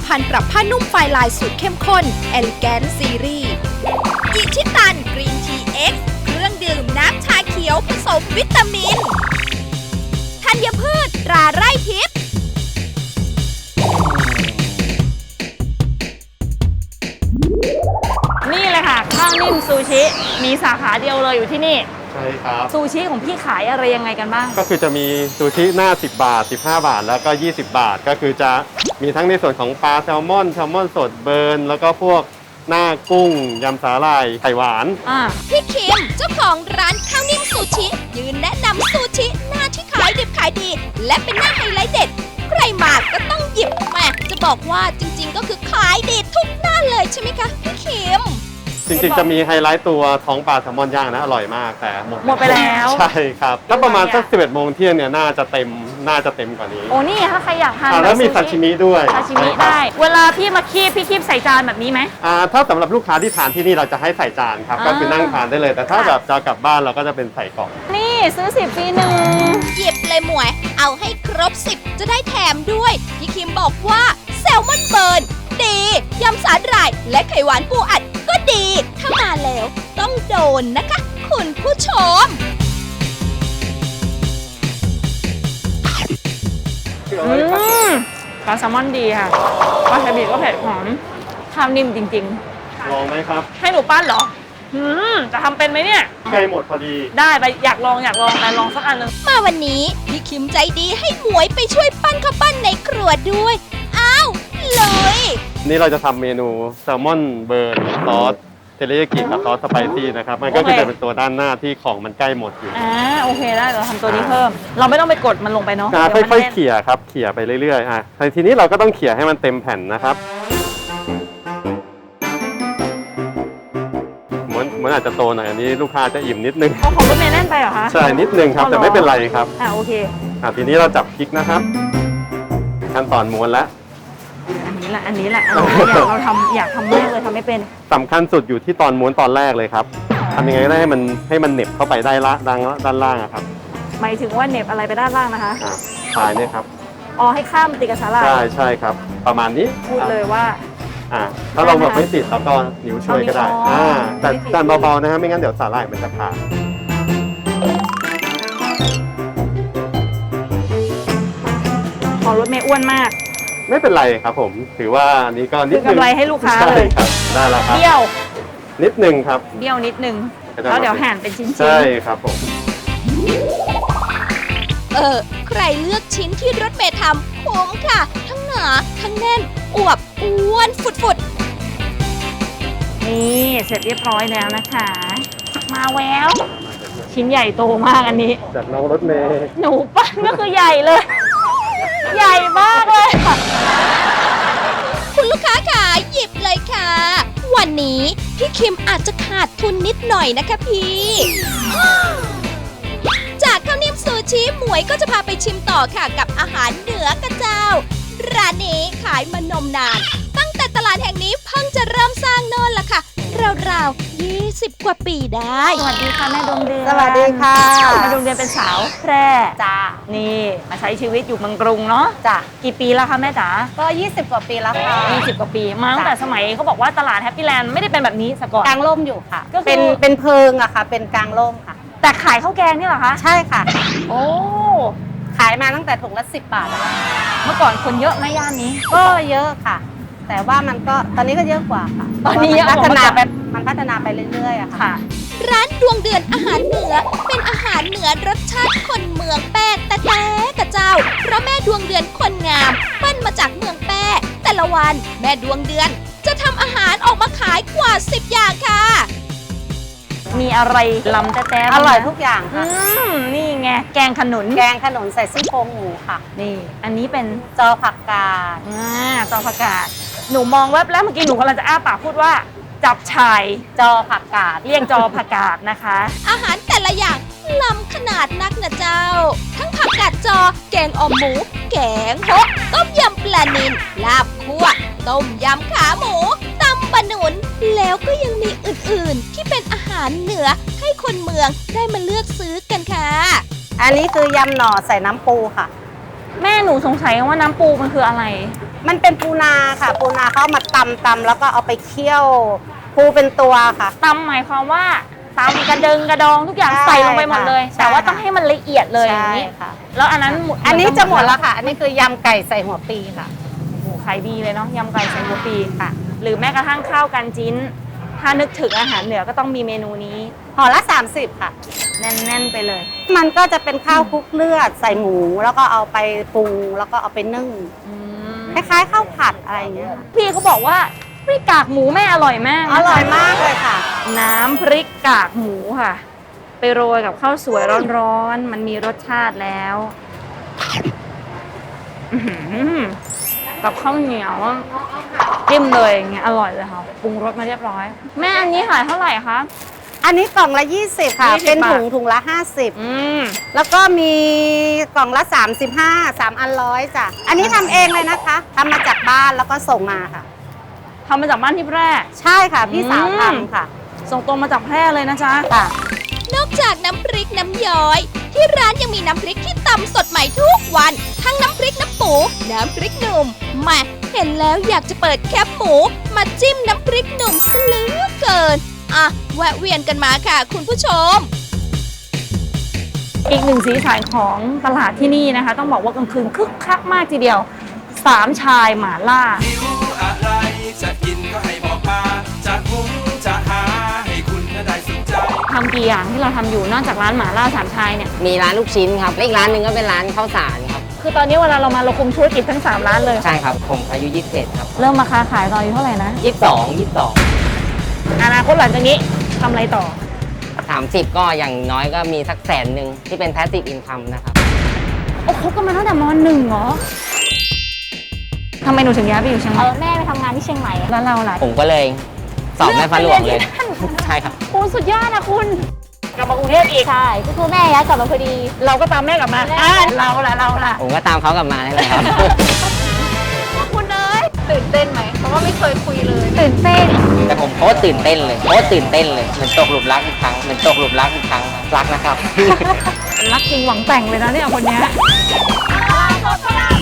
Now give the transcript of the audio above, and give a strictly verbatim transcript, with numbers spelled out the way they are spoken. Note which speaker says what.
Speaker 1: ภัณฑ์ปรับผ้านุ่มไฟลายสูตรเข้มข้น Elegant Series อิชิตันกรีนทีเอ็กซ์เครื่องดื่มน้ำชาเขียวผสมวิตามินธัญพืชตราไร่ทิพย์
Speaker 2: นี่เลยค่ะข้าวนิ่มซูชิมีสาขาเดียวเลยอยู่ที่นี่
Speaker 3: ใช่ครับ
Speaker 2: ซูชิของพี่ขายอะไรยังไงกันบ้าง
Speaker 3: ก็คือจะมีซูชิหน้าสิบบาทสิบห้าบาทแล้วก็ยี่สิบบาทก็คือจะมีทั้งในส่วนของปลาแซลมอนแซลมอนสดเบิร์นแล้วก็พวกหน้ากุ้งยำสาหร่ายไข่หวาน
Speaker 1: พี่คิมเจ้าของร้านข้าวนิ่มซูชิยืนแนะนำซูชิหน้าที่ขายดิบขายดีและเป็นหน้าไฮไลท์เด็ดใครมาก็ต้องหยิบมาจะบอกว่าจริงๆก็คือขายดีทุกหน้าเลยใช่ไหมคะพี่คิม
Speaker 3: จริงๆจะมีไฮไลท์ตัวท้องปลาแซลมอนย่างนะอร่อยมากแต่หมด
Speaker 2: หมดไปแล้ว
Speaker 3: ใช่ครับถ้าประมาณสักสิบเอ็ดโมงเที่ยงเนี่ยน่าจะเต็มน่าจะเต็มกว่านี้
Speaker 2: โอ้นี่ถ้าใครอยากทาน
Speaker 3: แล้วมีซาชิมิด้วย
Speaker 2: ซาชิมิได้เวลาพี่มาคีบพี่คีบใส่จานแบบนี้ไหม
Speaker 3: อ่าถ้าสำหรับลูกค้าที่ทานที่นี่เราจะให้ใส่จานครับก็คือนั่งทานได้เลยแต่ถ้าแบบจะกลับบ้านเราก็จะเป็นใส่กล่อง
Speaker 2: นี่ซื้อสิบฟรีหนึ่ง
Speaker 1: หยิบเลยหมวยเอาให้ครบสิบจะได้แถมด้วยพี่คิมบอกว่าแซลมอนเบิร์นดียำสาหร่ายและไข่หวานปูอัดก็ดีถ้ามาแล้วต้องโดนนะคะคุณผู้ชม
Speaker 2: อืมปลาแซลมอนดีค่ะปลาซาบิก็เผ็ดหอมข้าวนิ่มจริง
Speaker 3: ๆลองไหมครับ
Speaker 2: ให้หนูปั้นเหรออืมจะทำเป็นไหมเนี่ย
Speaker 3: ใกล้หมดพอดี
Speaker 2: ได้ไปอยากลองอยากลองไปลองสักอันนึง
Speaker 1: มาวันนี้พี่คิมใจดีให้หมวยไปช่วยปั้นข้าวปั้นในครัวด้วยอ้าวเลย
Speaker 3: นี่เราจะทำเมนูแซลมอนเบิร์นซอสเทริยากิกับซอสสไปซี่นะครับมันก็จะเป็นตัวด้านหน้าที่ของมันใกล้หมดอยู่
Speaker 2: อ่าโอเคได้เราทำตัวนี้เพิ่มเราไม่ต้องไปกดมันลงไปเนาะ
Speaker 3: ค่อยๆเขี่ยครับเขี่ยไปเรื่อยๆอ่ะทีนี้เราก็ต้องเขี่ยให้มันเต็มแผ่นนะครับเหมือนเหมือนอาจจะโตหน่อยอันนี้ลูกค้าจะอิ่มนิดนึง
Speaker 2: ของของรถเมย์แน่นไปเหรอคะ
Speaker 3: ใช่นิดนึงครับแต่ไม่เป็นไรครับ
Speaker 2: อ่าโอเค
Speaker 3: อ่ะทีนี้เราจับพริกนะครับขั้นตอนม้วนแล้ว
Speaker 2: อันนี้แหละอันนี้แหละอันนี้อยากเราทำอยากทำมากเลยทำไม่เป็น
Speaker 3: สำคัญสุดอยู่ที่ตอนม้วนตอนแรกเลยครับทำยังไงก็ได้ให้มันให้มันเหน็บเข้าไปได้ละด้านด้านล่างครับ
Speaker 2: หมายถึงว่าเหน็บอะไรไปด้านล่างนะคะ
Speaker 3: อ่าปลายเนี่ยครับ
Speaker 2: อ๋อให้ข้ามติดกับสาหร่าย
Speaker 3: ใช่ใช่ครับประมาณนี้
Speaker 2: พูดเลยว่า
Speaker 3: อ่าถ้าเราแบบไม่ติดแล้วก็นิ้วช่วยก็ได้อ่าแต่ดันเบาๆนะฮะไม่งั้นเดี๋ยวสาหร่ายมันจะขาด
Speaker 2: ของรถเมย์อ้วนมาก
Speaker 3: ไม่เป็นไรครับผมถือว่าอันนี้ก็นิดนึง
Speaker 2: กำไรให้ลูกค้าเลย
Speaker 3: ครับได้แล้วครับ
Speaker 2: เบี้ยว
Speaker 3: นิดนึงครับ
Speaker 2: เบี้ยวนิดนึงแล้วเดี๋ยวหั่นเป็นชิ้นๆ
Speaker 3: ใช่ครับผม
Speaker 1: เออใครเลือกชิ้นที่รถเมย์ทำคุ้มค่ะทั้งหนาทั้งแน่นอวบอ้วนฟุด
Speaker 2: ๆนี่เสร็จเรียบร้อยแล้วนะคะมาแววชิ้นใหญ่โตมากอันนี้
Speaker 3: จากน้องรถเมย์
Speaker 2: หนูปั้นก็คือใหญ่เลยใหญ่มากเลยค่ะ
Speaker 1: คุณลูกค้าค่ะหยิบเลยค่ะวันนี้พี่คิมอาจจะขาดทุนนิดหน่อยนะคะพี่จากข้าวนิ่มซูชิหมวยก็จะพาไปชิมต่อค่ะกับอาหารเหนือกระเจ้าร้านนี้ขายมานมนานตั้งแต่ตลาดแห่งนี้เพิ่งจะเริ่มสร้างโน่นล่ะค่ะราวๆยี่สิบกว่าปีได้
Speaker 2: สวัสดีค่ะแม่ดวงเดือน
Speaker 4: สวัสดีค่ะ
Speaker 2: แม่ดวงเดือนเป็นสาวแพร่จ้านี่มาใช้ชีวิตอยู่เมืองกรุงเนาะ
Speaker 4: จ้ะ
Speaker 2: กี่ปีแล้วคะแม่จ๋า
Speaker 4: ก็ยี่สิบกว่าปีแล้วค่ะ
Speaker 2: ยี่สิบกว่าปีมาตั้งแต่สมัยเขาบอกว่าตลาดแฮปปี้แลนด์ไม่ได้เป็นแบบนี้สก่อน
Speaker 4: กลางร่มอยู่ค่ะก็เป็นเป็นเพิงอะค่ะเป็นกลางร่มค่ะ
Speaker 2: แต่ขายข้าวแกงนี่เหรอคะ
Speaker 4: ใช่ค่ะ
Speaker 2: โอ้
Speaker 4: ขายมาตั้งแต่ถุงละสิบบาทแล้ว
Speaker 2: เมื่อก่อนคนเยอะไหมย่านนี้
Speaker 4: ก็เยอะค่ะแต่ว่ามันก็ตอนนี้ก็เยอะกว่าค่ะ
Speaker 2: ตอนนี้
Speaker 4: พัฒนาไปมันพัฒนาไปเรื่อยๆอะค่ะ
Speaker 1: ร้านดวงเดือนอาหารเหนือเป็นอาหารเหนือรสชาติคนเมืองแป้แต่แต่กระเจ้าเพราะแม่ดวงเดือนคนงามปั้นมาจากเมืองแป้แต่ละวันแม่ดวงเดือนจะทำอาหารออกมาขายกว่าสิบอย่างค่ะ
Speaker 2: มีอะไรลำแต่แต่
Speaker 4: อร่อยทุกอย่างค่ะ
Speaker 2: นี่ไงแกงขนุน
Speaker 4: แกงขนุนใส่ซี่โครงหมูค่ะ
Speaker 2: นี่อันนี้เป็น
Speaker 4: จอผักกาด
Speaker 2: อ่าจอผักกาดหนูมองแวบแล้วเมื่อกี้หนูกำลังจะอ้าปากพูดว่าจับฉ่าย
Speaker 4: จอผักกาด
Speaker 2: เรียกจอผักกาดนะคะ
Speaker 1: อาหารแต่ละอย่างล้ำขนาดนักนะเจ้าทั้งผักกาดจอแกงอ่อมหมูแกงฮกต้มยำปลานิลลาบคั่วต้มยำขาหมูตำบะหนุนแล้วก็ยังมีอื่นๆที่เป็นอาหารเหนือให้คนเมืองได้มาเลือกซื้อกันค่ะ
Speaker 4: อันนี้คือยำหน่อใส่น้ำปูค่ะ
Speaker 2: แม่หนูสงสัยว่าน้ำปูมันคืออะไร
Speaker 4: มันเป็นปูนาค่ะ ปูนาเขาเอามาตำตำแล้วก็เอาไปเคี่ยวปูเป็นตัวค่ะ
Speaker 2: ตำหมายความว่าตำกระเดิงกระดองทุกอย่าง
Speaker 4: ใช่
Speaker 2: ใส่ลงไปหมดเลย
Speaker 4: ค่ะ
Speaker 2: แต่ว่า
Speaker 4: ใช่
Speaker 2: ต้องให้มันละเอียดเลยอย่าง
Speaker 4: ใช่
Speaker 2: นี้
Speaker 4: ค่ะ
Speaker 2: แล้วอันนั้น
Speaker 4: อันนี้จะหมดแล้วค่ะ อันนี้คือยำไก่ใส่หัวปีค่ะ
Speaker 2: โอ้โหขายดีเลยเนาะยำไก่ใส่หัวปีค่ะ หรือแม้กระทั่งข้าวกันจิ้น ถ้านึกถึงอาหารเหนือก็ต้องมีเมนูนี้
Speaker 4: ห่อละสามสิบค่ะ
Speaker 2: แน่นๆไปเลย
Speaker 4: มันก็จะเป็นข้าวคลุกเลือดใส่หมู แล้วก็เอาไปปรุงแล้วก็เอาไปนึ่ง
Speaker 2: อืม
Speaker 4: คล้ายๆข้าวผัดอะไรอย่างเงี้ยค่ะ
Speaker 2: พี่เขาบอกว่าพริกกากหมูแม่อร่อยมากนะคะ
Speaker 4: อร่อยมากเลยค่ะ
Speaker 2: น้ำพริกกากหมูค่ะ ไปโรยกับข้าวสวยร้อนๆ มันมีรสชาติแล้วอื้อหือกับข้าวเหนียวจิ้มเลยอย่างเงี้ยอร่อยเลยค่ะปรุงรสมาเรียบร้อย แม่อันนี้ขายเท่าไหร่คะ
Speaker 4: อันนี้กล่องละยี่สิบค่ะ
Speaker 2: ยี่สิบ
Speaker 4: เป็นถุง
Speaker 2: บาท
Speaker 4: ถุงละห้าสิบ
Speaker 2: อืม
Speaker 4: แล้วก็มีกล่องละสามสิบห้า สามอันร้อยจ้ะ อันนี้ทำเองเลยนะคะทำมาจากบ้านแล้วก็ส่งมาค่ะ
Speaker 2: ทำมาจากบ้านที่แพร่
Speaker 4: ใช่ค่ะ พี่สาว
Speaker 2: อืม
Speaker 4: ทำค่ะ
Speaker 2: ส่งตรงมาจากแพร่เลยนะจ๊ะ
Speaker 4: ค่ะ
Speaker 1: นอกจากน้ำพริกน้ำย้อย ที่ร้านยังมีน้ำพริกที่ตำสดใหม่ทุกวัน ทั้งน้ำพริกน้ำปู น้ำพริกหนุ่มแหม่เห็นแล้วอยากจะเปิดแคปหมู มาจิ้มน้ำพริกหนุ่มซะเหลือเกิน อ่ะ แวะเวียนกันมาค่ะคุณผู้ชม
Speaker 2: อีกหนึ่งสีสันของตลาดที่นี่นะคะ ต้องบอกว่ากลางคืนคึกคักมากทีเดียวสามชายหมาล่า
Speaker 5: หิวอะไรจะกินก็ให้บอกมา จะหุงจะหาให้คุณน่ะได้สนใจ
Speaker 2: ทำกี่อย่างที่เราทำอยู่นอกจากร้านหมาล่าสามชายเนี่ย
Speaker 6: มีร้านลูกชิ้นครับและอีกร้านหนึ่งก็เป็นร้านข้าวสารครับ
Speaker 2: คือตอนนี้เวลาเรามาเราคุมธุรกิจทั้งสามร้านเลย
Speaker 6: ใช่ครับ ผมอายุยี่สิบเอ็ดครับ
Speaker 2: เริ่มมาค้าขายตอนอายุเท่าไหร่นะ
Speaker 6: ยี่สิบสอง ยี่สิบสอง
Speaker 2: อนาคตหลังจากนี้ทำอะไรต่อ
Speaker 6: สามสิบก็อย่างน้อยก็มีสักแสนหนึ่งที่เป็น passive income นะครับ
Speaker 2: โอ้คบกันมาตั้งแต่มหนึ่งเหรอทำไมหนูถึงย้ายไปอยู่เชียงให
Speaker 7: เอ
Speaker 2: ม่
Speaker 7: อแม่ไปทำงานที่เชียงใหม่อะ
Speaker 2: แล้วเราล่ะ
Speaker 6: ผมก็เลยสอบแม่ฟ้าหลวงเลย ใช่ครับ
Speaker 2: โอ้สุดยอดนะคุณ กลับมากรุงเทพอีก
Speaker 7: ใช่ก็คือแม่ย้ายกลับมาพอดี
Speaker 2: เราก็ตามแม่กลับมาอ่ะเราล่ะเราล่ะ
Speaker 6: ผมก็ตามเขากลับมานี่แหละครับ
Speaker 2: คุณเอ้ยตื่นเต้นไหมเพราะว่าไม่เคยคุยเลย ตื่นเต้น
Speaker 6: แต่ผมโคตรตื่นเต้นเลยโคตรตื่นเต้นเลยเหมือนตกหลุมรักอีกครั้งเหมือนตกหลุมรักอีกครั้งรักนะครับ
Speaker 2: รักจริงหวังแต่งเลยนะเนี่ยคนเนี้ย